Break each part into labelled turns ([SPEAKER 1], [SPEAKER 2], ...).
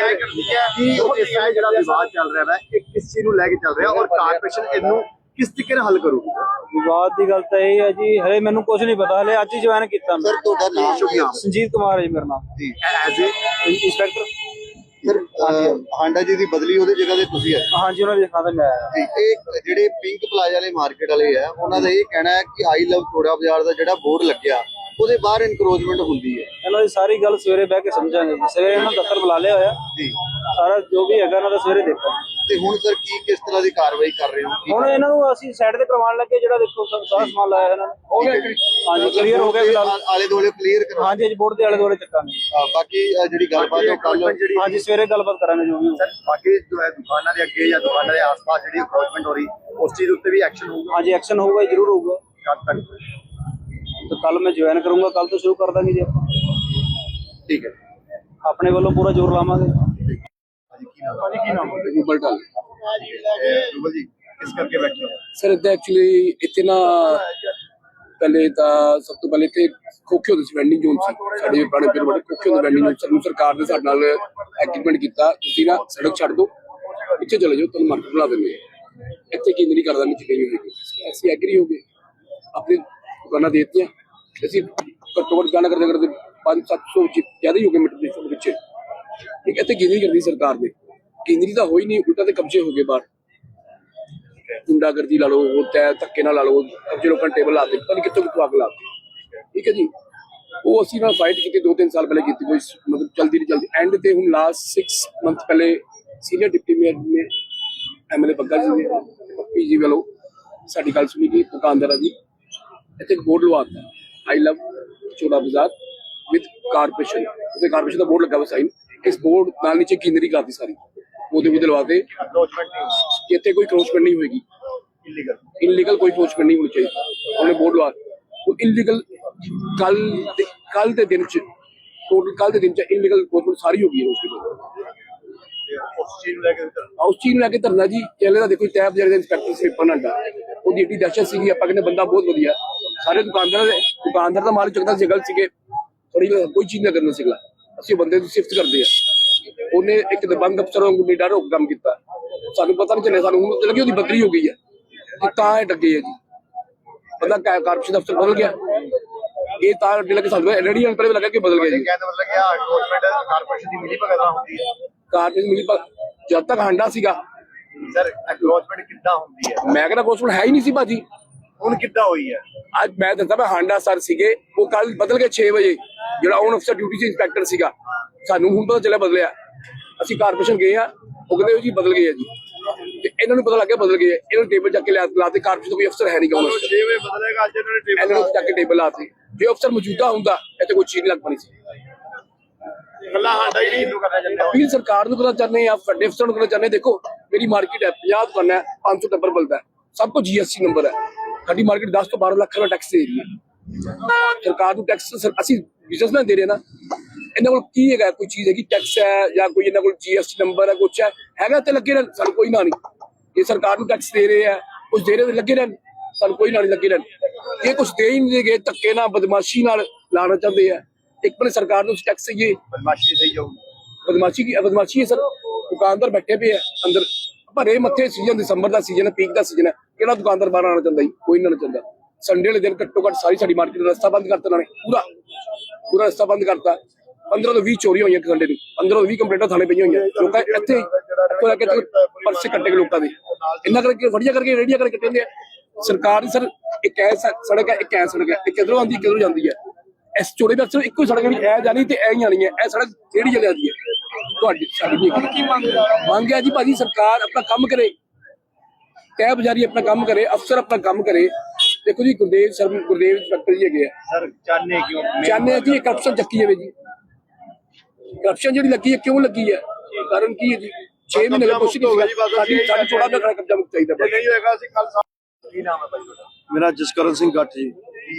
[SPEAKER 1] ਜਿਹੜਾ ਵਿਵਾਦ ਚੱਲ ਰਿਹਾ ਹੈ ਇਹ ਕਿਸ ਚੀਜ਼ ਨੂੰ ਲੈ ਕੇ ਚੱਲ ਰਿਹਾ ਔਰ ਕਾਰਪੋਰੇਸ਼ਨ ਇਹਨੂੰ ਕਿਸ ਤਰੀਕੇ ਨਾਲ ਹੱਲ ਕਰੂਗੀ?
[SPEAKER 2] ਵਿਵਾਦ ਦੀ ਗੱਲ ਤਾਂ ਇਹ ਹੈ ਜੀ, ਹਲੇ ਮੈਨੂੰ ਕੁਝ ਨਹੀਂ ਪਤਾ, ਹਲੇ ਅੱਜ ਹੀ ਜੁਆਇਨ ਕੀਤਾ ਮੈਂ।
[SPEAKER 1] ਸਰ ਤੁਹਾਡਾ ਨਾਮ?
[SPEAKER 2] ਸੰਜੀਤ ਕੁਮਾਰ ਹੈ ਜੀ ਮੇਰਾ ਨਾਮ।
[SPEAKER 1] ਜੀ as a
[SPEAKER 2] inspector.
[SPEAKER 1] Sir Handa ji ਦੀ ਬਦਲੀ ਉਹਦੀ ਜਗ੍ਹਾ ਤੇ ਤੁਸੀਂ ਆਏ?
[SPEAKER 2] ਹਾਂਜੀ, ਉਹਨਾਂ ਦੀ ਦੇਖਾਂ ਤੇ ਮੈਂ ਆਇਆ।
[SPEAKER 1] ਜੀ ਇਹ ਜਿਹੜੇ ਪਿੰਕ ਪਲਾਜ਼ਾ ਵਾਲੇ ਮਾਰਕੀਟ ਵਾਲੇ ਆ ਉਹਨਾਂ ਦਾ ਇਹ ਕਹਿਣਾ ਹੈ ਕਿ ਆਈ ਲਵ ਚੋੜਾ ਬਾਜ਼ਾਰ ਦਾ ਜਿਹੜਾ ਬੋਰਡ ਲੱਗਿਆ ਉਹਦੇ ਬਾਹਰ ਇਨਕਰੋਚਮੈਂਟ ਹੁੰਦੀ ਹੈ।
[SPEAKER 2] ਇਹਨਾਂ ਦੀ ਸਾਰੀ ਗੱਲ ਸਵੇਰੇ ਬਹਿ ਕੇ ਸਮਝਾਂਗੇ ਜੀ। ਸਵੇਰੇ ਇਹਨਾਂ ਨੂੰ ਦਫ਼ਤਰ ਬੁਲਾ ਲਿਆ ਹੋਇਆ
[SPEAKER 1] ਜੀ,
[SPEAKER 2] ਸਾਰਾ ਜੋ ਵੀ ਹੈਗਾ ਇਹਨਾਂ ਦਾ ਸਵੇਰੇ ਦੇਖੋ।
[SPEAKER 1] ਤੇ ਹੁਣ ਸਰ ਕਿਸ ਤਰ੍ਹਾਂ ਦੀ ਕਾਰਵਾਈ ਕਰ ਰਹੇ ਹੋ?
[SPEAKER 2] ਹੁਣ ਇਹਨਾਂ ਨੂੰ ਅਸੀਂ ਸਾਈਡ ਤੇ ਕਰਵਾਉਣ ਲੱਗੇ, ਜਿਹੜਾ ਦੇਖੋ ਸਾਰਾ ਸਮਾਨ ਲਾਇਆ ਇਹਨਾਂ ਨੇ ਹੋ ਗਿਆ। ਹਾਂਜੀ ਕਲੀਅਰ ਹੋ ਗਿਆ ਫਿਲਹਾਲ।
[SPEAKER 1] ਆਲੇ ਦੁਆਲੇ ਕਲੀਅਰ ਕਰੋ।
[SPEAKER 2] ਹਾਂਜੀ ਬੋਰਡ ਦੇ ਆਲੇ ਦੁਆਲੇ ਚੱਕਾਂਗੇ।
[SPEAKER 1] ਬਾਕੀ ਜਿਹੜੀ ਗੱਲਬਾਤ ਹੈ ਕੱਲ
[SPEAKER 2] ਹਾਂਜੀ ਸਵੇਰੇ ਗੱਲਬਾਤ ਕਰਾਂਗੇ ਜੋ ਵੀ
[SPEAKER 1] ਸਰ। ਬਾਕੀ ਜੋ ਹੈ ਦੁਕਾਨਾਂ ਦੇ ਅੱਗੇ ਜਾਂ ਦੁਕਾਨਾਂ ਦੇ ਆਸ-ਪਾਸ ਜਿਹੜੀ ਅਪਰੋਚਮੈਂਟ ਹੋ ਰਹੀ ਉਸ ਚੀਜ਼ ਉੱਤੇ ਵੀ ਐਕਸ਼ਨ ਹੋਊਗਾ?
[SPEAKER 2] ਹਾਂਜੀ ਐਕਸ਼ਨ ਹੋਊਗਾ, ਜ਼ਰੂਰ ਹੋਊਗਾ।
[SPEAKER 1] ਕਦ ਤੱਕ?
[SPEAKER 2] तो कल मैं ज्वाइन करूंगा, कल तो शुरू कर देंगे जी आप।
[SPEAKER 1] ठीक है,
[SPEAKER 2] अपने वालों पूरा जोर लावांगे।
[SPEAKER 1] किस करके बैठे हो
[SPEAKER 3] सर? एक्चुअली इतना पहले तो सब तो पहले खोखे होते वेंडिंग जोन से साडे पुराने पिंड बड़े खोखे होते वेंडिंग जोन। सरकार ने साडे नाल एग्रीमेंट किया, तुसीं ना सड़क छड्ड दो, पिछे चले जाओ, तुहानूं मार्केट बना देंगे। इत्थे की नहीं करदा, नीचे नहीं होगी। ऐसी एग्री हो गए, अपनी दुकाना देती घट्टो घट्ट गाना करते करते 500-700 ज्यादा ही हो गए मीटर के पिछे। ठीक है, इतने केंद्री करती सरकार ने, केंद्री तो हो ही नहीं, उल्टा तो कब्जे हो गए बाहर। गुंडागर्दी ला लो, धक्के ना ला लो, कब्जे लोगों ने टेबल लाते, पता नहीं कितों कितों अग लाती। ठीक है जी, वो असी ना फाइट की 2-3 साल पहले की, कोई मतलब जल्दी नहीं जल्दी। एंड ते हुण लास्ट 6 मंथ पहले सीनियर डिप्टी मेयर ने MLA बग्गा जी ने पप्पी जी वालों साडी गल सुनी कि दुकानदार जी इतने एक board लवाता, I love Chaura Bazar with corporation. उसे कारपोरेशन का बोर्ड लगा हुआ साइन, इस बोर्ड नाल नीचे कीनरी करती सारी वो लवाते। इतने कोई क्रोचमेंट नहीं होगी, इनलीगल कोई क्रोचमेंट नहीं होनी चाहिए। उन्होंने बोर्ड लवा इनलीगल कल के दिन टोटल कल के दिन इनलीगल क्रोचमेंट सारी हो गई है। उस चीज लैके धरना जी चले का देखो, तैब जरे इंस्पैक्टर स्वीपर नाडा वो एडी दहशत सी, आप कहते बंदा बहुत वधिया। सारे दुकानदार का माल चुकता सिगल सीगे, थोड़ी कोई चीज ना करना सिगला, असं बंदे की सिफत करते हैं। उन्हें एक दबंग अफसर निडर होकर काम किया, सानू पता नहीं चलिया, सानू लगी उसकी बदली हो गई है, डगे है जी। बंदा कारपोरेशन अफसर बदल गया, ये अड्डे लगे सानू रेडी पहले लगा कि बदल गया जी। कारपोरेशन मिली जब तक हांडा सीगा
[SPEAKER 1] सर एनक्रोचमेंट कितना होती है?
[SPEAKER 3] मैं कहना क्रोचमेंट है ही नहीं सी भाजी।
[SPEAKER 1] ਹੁਣ ਕਿੱਦਾਂ ਹੋਈ ਹੈ?
[SPEAKER 3] ਅੱਜ ਮੈਂ ਦੱਸਦਾ ਮੈਂ ਹਾਂਡਾ ਸਰ ਸੀਗੇ, ਉਹ ਕੱਲ ਬਦਲ ਗਏ 6 ਵਜੇ। ਜਿਹੜਾ ਔਨ ਅਫਸਰ ਡਿਊਟੀ ਸੀ ਇੰਸਪੈਕਟਰ ਸੀਗਾ, ਸਾਨੂੰ ਹੁਣ ਪਤਾ ਚੱਲਿਆ ਬਦਲਿਆ। ਅਸੀਂ ਕਾਰਪੋਰੇਸ਼ਨ ਗਏ ਆ, ਉਹ ਕਹਿੰਦੇ ਜੀ ਬਦਲ ਗਏ ਆ ਜੀ। ਤੇ ਇਹਨਾਂ ਨੂੰ ਪਤਾ ਲੱਗ ਗਿਆ ਬਦਲ ਗਏ, ਇਹਨਾਂ ਨੂੰ ਟੇਬਲ ਚੱਕ ਕੇ ਲਾਤੇ। ਕਾਰਪੋਰੇਸ਼ਨ ਦਾ ਕੋਈ ਅਫਸਰ ਹੈ ਨਹੀਂ ਗਾ,
[SPEAKER 1] 6 ਵਜੇ ਬਦਲੇਗਾ ਅੱਜ ਇਹਨਾਂ ਨੇ ਟੇਬਲ
[SPEAKER 3] ਇਹਨਾਂ ਨੂੰ ਚੱਕ ਕੇ ਟੇਬਲ ਲਾਤੇ। ਜੇ ਅਫਸਰ ਮੌਜੂਦਾ ਹੁੰਦਾ ਇੱਥੇ ਕੋਈ ਚੀਜ਼ ਨਹੀਂ ਲੱਗ ਪਣੀ ਸੀ।
[SPEAKER 1] ਗੱਲਾਂ ਹਾਂਡਾ ਹੀ ਨਹੀਂ ਕਰਨਾ ਚਾਹੁੰਦੇ।
[SPEAKER 3] ਅਪੀਲ ਸਰਕਾਰ ਨੂੰ ਕਰਨਾ ਚਾਹੁੰਦੇ ਆ, ਵੱਡੇ ਅਫਸਰਾਂ ਨੂੰ ਕਰਨਾ ਚਾਹੁੰਦੇ। ਦੇਖੋ ਮੇਰੀ ਮਾਰਕੀਟ ਹੈ, 50 ਦੁਕਾਨਾਂ ਹੈ, 500 ਟੱਬਰ ਬਲਦਾ, ਸਭ ਕੁਝ GST ਨੰਬਰ ਹੈ। ਸਾਡੀ ਮਾਰਕੀਟ 10 ਤੋਂ 12 ਲੱਖ ਦਾ ਟੈਕਸ ਦੇ ਰਹੀ ਹੈ ਸਰਕਾਰ ਨੂੰ। ਟੈਕਸ ਅਸੀਂ ਬਿਜ਼ਨਸਮੈਨ ਦੇ ਰਹੇ ਨਾ, ਇਹਨਾਂ ਕੋਲ ਕੀ ਹੈਗਾ? ਕੋਈ ਚੀਜ਼ ਹੈਗੀ ਟੈਕਸ ਹੈ ਜਾਂ ਕੋਈ ਇਹਨਾਂ ਕੋਲ GST ਨੰਬਰ ਹੈ, ਕੁਛ ਹੈਗਾ ਤੇ ਲੱਗੇ ਰਹਿਣ, ਸਾਨੂੰ ਕੋਈ ਨਾ ਨਹੀਂ। ਇਹ ਸਰਕਾਰ ਨੂੰ ਟੈਕਸ ਦੇ ਰਹੇ ਆ, ਕੁਝ ਦੇ ਰਹੇ ਲੱਗੇ ਰਹਿਣ, ਸਾਨੂੰ ਕੋਈ ਨਾ ਨਹੀਂ ਲੱਗੇ ਰਹਿਣ। ਇਹ ਕੁਝ ਦੇ ਹੀ ਨਹੀਂ ਗਏ, ਧੱਕੇ ਨਾਲ ਬਦਮਾਸ਼ੀ ਨਾਲ ਲਾਣਾ ਚਾਹੁੰਦੇ ਆ। ਇੱਕ ਬੰਨੇ ਸਰਕਾਰ ਨੂੰ ਟੈਕਸ ਇਹ
[SPEAKER 1] ਬਦਮਾਸ਼ੀ ਸਹੀ ਜਾਊ,
[SPEAKER 3] ਬਦਮਾਸ਼ੀ ਹੈ ਸਰ। ਦੁਕਾਨਦਾਰ ਬੈਠੇ ਪਏ ਆ ਅੰਦਰ ਭਰੇ ਮੱਥੇ, ਸੀਜ਼ਨ ਦਸੰਬਰ ਦਾ ਸੀਜ਼ਨ ਹੈ, ਪੀਕ ਦਾ ਸੀਜ਼ਨ ਹੈ, ਕਿਹੜਾ ਦੁਕਾਨਦਾਰ ਬਾਹਰ ਆਉਣਾ ਚਾਹੁੰਦਾ ਜੀ? ਕੋਈ ਨਾ ਚਾਹੁੰਦਾ। ਸੰਡੇ ਵਾਲੇ ਦਿਨ ਘੱਟੋ ਘੱਟ ਸਾਡੀ ਮਾਰਕੀਟ ਦਾ ਰਸਤਾ ਬੰਦ ਕਰਤਾ ਇਹਨਾਂ ਨੇ, ਪੂਰਾ ਰਸਤਾ ਬੰਦ ਕਰਤਾ। 15 ਤੋਂ 20 ਚੋਰੀਆਂ ਹੋਈਆਂ ਇੱਕ ਸੰਡੇ ਨੂੰ, 15 ਤੋਂ 20 ਕੰਪਲੇਂਟਾਂ ਥਾਣੇ ਪਈਆਂ ਹੋਈਆਂ। ਲੋਕਾਂ ਇੱਥੇ ਇੱਥੋਂ ਲੈ ਕੇ ਪਰਸੇ ਕੱਟੇ ਗਏ ਲੋਕਾਂ ਦੇ, ਇੰਨਾ ਕਰਕੇ ਫੜੀਆਂ ਕਰਕੇ ਰੇੜੀਆਂ ਕਰਕੇ ਕਹਿੰਦੇ ਆ। ਸਰਕਾਰ ਦੀ ਸਰ ਇੱਕ ਐ ਸੜਕ ਹੈ, ਇੱਕ ਐ ਸੜਕ ਹੈ, ਇਹ ਕਿਧਰੋਂ ਆਉਂਦੀ ਕਿਧਰੋਂ ਜਾਂਦੀ ਹੈ। ਇਸ ਚੋੜੇ ਦਾ ਅਕਸਰ ਇੱਕੋ ਸੜਕ ਨਹੀਂ, ਐ ਜਾਣੀ ਤੇ ਐ ਹੀ ਆਣੀ ਹੈ। ਇਹ ਸੜਕ ਕਿਹੜੀ ਜਗ੍ਹਾ ਦੀ ਹੈ? ਤੁਹਾਡੀ ਸਾਡੀ ਕੀ ਮੰਗ ਹੈ ਜੀ? ਭਾਜੀ ਸਰਕਾਰ ਆਪਣਾ ਕੰਮ ਕਰੇ, ਤੈਅ ਬਜ਼ਾਰੀ ਆਪਣਾ ਕੰਮ ਕਰੇ, ਅਫਸਰ ਆਪਣਾ ਕੰਮ ਕਰੇ। ਦੇਖੋ ਜੀ ਗੁਰਦੇਵ ਇੰਸਪੈਕਟਰ ਜੀ ਹੈਗੇ ਆ
[SPEAKER 1] ਸਰ, ਚਾਹਨੇ ਕਿਉਂ?
[SPEAKER 3] ਚਾਹਨੇ ਜੀ ਕਰਪਸ਼ਨ ਚੱਕੀ ਜਾਵੇ ਜੀ। ਕਰਪਸ਼ਨ ਜਿਹੜੀ ਲੱਗੀ ਹੈ ਕਿਉਂ ਲੱਗੀ ਹੈ? ਕਾਰਨ ਕੀ ਹੈ ਜੀ? 6 ਮਹੀਨੇ ਦਾ ਕੁਛ ਨਹੀਂ ਹੋਗਾ। ਸਾਡੀ ਚੋੜਾ ਦਾ ਕਬਜ਼ਾ ਮੁਕਤ ਚਾਹੀਦਾ।
[SPEAKER 1] ਨਹੀਂ ਹੋਏਗਾ ਅਸੀਂ ਕੱਲ। ਕੀ ਨਾਮ ਹੈ ਭਾਈ ਤੁਹਾਡਾ?
[SPEAKER 4] ਮੇਰਾ ਜਸਕਰਨ ਸਿੰਘ ਗੱਟ ਜੀ।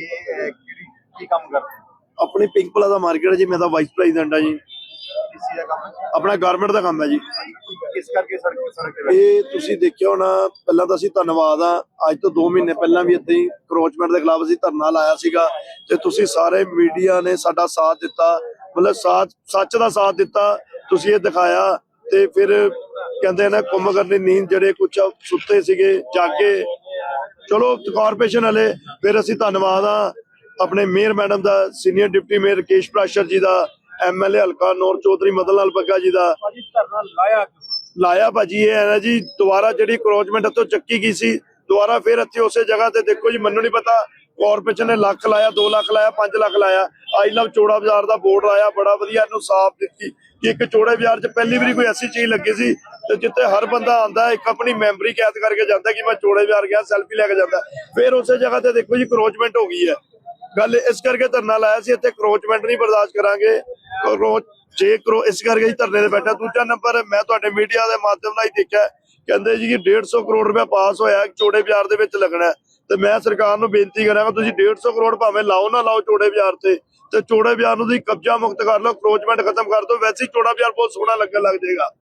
[SPEAKER 1] ਕੀ ਕੰਮ ਕਰਦੇ?
[SPEAKER 4] ਆਪਣੀ ਪਿੰਕ ਪਲਾਜ਼ਾ ਮਾਰਕੀਟ ਹੈ ਜੀ, ਮੈਂ ਤਾਂ ਵਾਈਸ ਪ੍ਰੈਜ਼ੀਡੈਂਟ ਹਾਂ ਜੀ।
[SPEAKER 1] ਕਿਸੇ ਦਾ ਕੰਮ?
[SPEAKER 4] ਆਪਣਾ ਗਾਰਮੈਂਟ ਦਾ ਕੰਮ ਹੈ ਜੀ।
[SPEAKER 1] ਕਿਸ ਕਰਕੇ ਸੜਕ
[SPEAKER 4] ਇਹ ਤੁਸੀਂ ਦੇਖਿਆ ਹੋਣਾ, ਪਹਿਲਾਂ ਤਾਂ ਅਸੀਂ ਧੰਨਵਾਦ ਆ, ਅੱਜ ਤੋਂ 2 ਮਹੀਨੇ ਪਹਿਲਾਂ ਵੀ ਏਦਾਂ ਹੀ ਕਰੋਚਮੈਂਟ ਦੇ ਖਿਲਾਫ ਅਸੀਂ ਧਰਨਾ ਲਾਇਆ ਸੀਗਾ ਤੇ ਤੁਸੀਂ ਸਾਰੇ ਮੀਡੀਆ ਨੇ ਸਾਡਾ ਸਾਥ ਦਿੱਤਾ, ਮਤਲਬ ਸੱਚ ਦਾ ਸਾਥ ਦਿੱਤਾ, ਤੁਸੀਂ ਇਹ ਦਿਖਾਇਆ। ਤੇ ਫਿਰ ਕਹਿੰਦੇ ਨੇ ਕੁੰਭ ਕਰਨੀ ਨੀਂਦ, ਜਿਹੜੇ ਕੁਛ ਸੁੱਤੇ ਸੀਗੇ ਜਾਗੇ, ਚਲੋ ਕਾਰਪੋਰੇਸ਼ਨ ਵਾਲੇ, ਫਿਰ ਅਸੀਂ ਧੰਨਵਾਦ ਆ ਆਪਣੇ ਮੇਅਰ ਮੈਡਮ ਦਾ, senior deputy mayor Rakesh Prashar ji ਦਾ, MLA ਹਲਕਾ ਨੌਰ ਚੌਧਰੀ ਮਦਨ ਲਾਲ ਬੱਗਾ ਜੀ ਦਾ।
[SPEAKER 2] ਭਾਜੀ ਧਰਨਾ
[SPEAKER 4] ਲਾਇਆ ਭਾਜੀ, ਇਹ ਹੈ ਨਾ ਜੀ, ਦੁਬਾਰਾ ਜਿਹੜੀ ਕਰੋਚਮੈਂਟ ਇੱਥੋਂ ਚੱਕੀ ਗਈ ਸੀ, ਦੁਬਾਰਾ ਫਿਰ ਇੱਥੇ ਉਸੇ ਜਗ੍ਹਾ ਤੇ ਦੇਖੋ ਜੀ, ਮੈਨੂੰ ਨਹੀਂ ਪਤਾ ਕਾਰਪੋਰੇਸ਼ਨ ਨੇ ਲੱਖ ਲਾਇਆ, 2 ਲੱਖ ਲਾਇਆ, 5 ਲੱਖ ਲਾਇਆ, ਆਈ ਲਵ ਚੋੜਾ ਬਾਜ਼ਾਰ ਦਾ ਬੋਰਡ ਲਾਇਆ, ਬੜਾ ਵਧੀਆ ਇਹਨੂੰ ਸਾਫ਼ ਦਿੱਤੀ ਕਿ ਇੱਕ ਚੋੜੇ ਬਾਜ਼ਾਰ 'ਚ ਪਹਿਲੀ ਵਾਰੀ ਕੋਈ ਐਸੀ ਚੀਜ਼ ਲੱਗੀ ਸੀ ਤੇ ਜਿੱਥੇ ਹਰ ਬੰਦਾ ਆਂਦਾ ਇੱਕ ਆਪਣੀ ਮੈਮਰੀ ਕੈਦ ਕਰਕੇ ਜਾਂਦਾ ਕਿ ਮੈਂ ਚੋੜੇ ਬਾਜ਼ਾਰ ਗਿਆ, ਸੈਲਫੀ ਲੈ ਕੇ ਜਾਂਦਾ। ਫਿਰ ਉਸੇ ਜਗ੍ਹਾ ਤੇ ਦੇਖੋ ਜੀ ਕਰੋਚਮੈਂਟ ਹੋ ਗਈ ਹੈ। ਗੱਲ ਇਸ ਕਰਕੇ ਧਰਨਾ ਲਾਇਆ ਸੀ, ਇੱਥੇ ਕਰੋਚਮੈਂਟ ਨਹੀਂ ਬਰਦਾਸ਼ਤ ਕਰਾਂਗੇ। ਇਸ ਕਰਕੇ ਹੀ ਧਰਨੇ ਤੇ ਬੈਠਾ। ਦੂਜਾ ਨੰਬਰ, ਮੈਂ ਤੁਹਾਡੇ ਮੀਡੀਆ ਦੇ ਮਾਧਿਅਮ ਨਾਲ ਹੀ ਦੇਖਿਆ, ਕਹਿੰਦੇ ਜੀ ਕਿ 150 ਕਰੋੜ ਰੁਪਇਆ ਪਾਸ ਹੋਇਆ ਚੋੜੇ ਬਾਜ਼ਾਰ ਦੇ ਵਿੱਚ ਲੱਗਣਾ, ਤੇ ਮੈਂ ਸਰਕਾਰ ਨੂੰ ਬੇਨਤੀ ਕਰਾਂਗਾ ਤੁਸੀਂ 150 ਕਰੋੜ ਭਾਵੇਂ ਲਾਓ ਨਾ ਲਾਓ ਚੋੜੇ ਬਾਜ਼ਾਰ ਤੇ ਚੋੜੇ ਬਾਜ਼ਾਰ ਨੂੰ ਤੁਸੀਂ ਕਬਜ਼ਾ ਮੁਕਤ ਕਰ ਲਓ, ਕਰੋਚਮੈਂਟ ਖਤਮ ਕਰ ਦਿਓ, ਵੈਸੇ ਹੀ ਚੋੜਾ ਬਾਜ਼ਾਰ ਬਹੁਤ ਸੋਹਣਾ ਲੱਗਣ ਲੱਗ ਜਾਏਗਾ।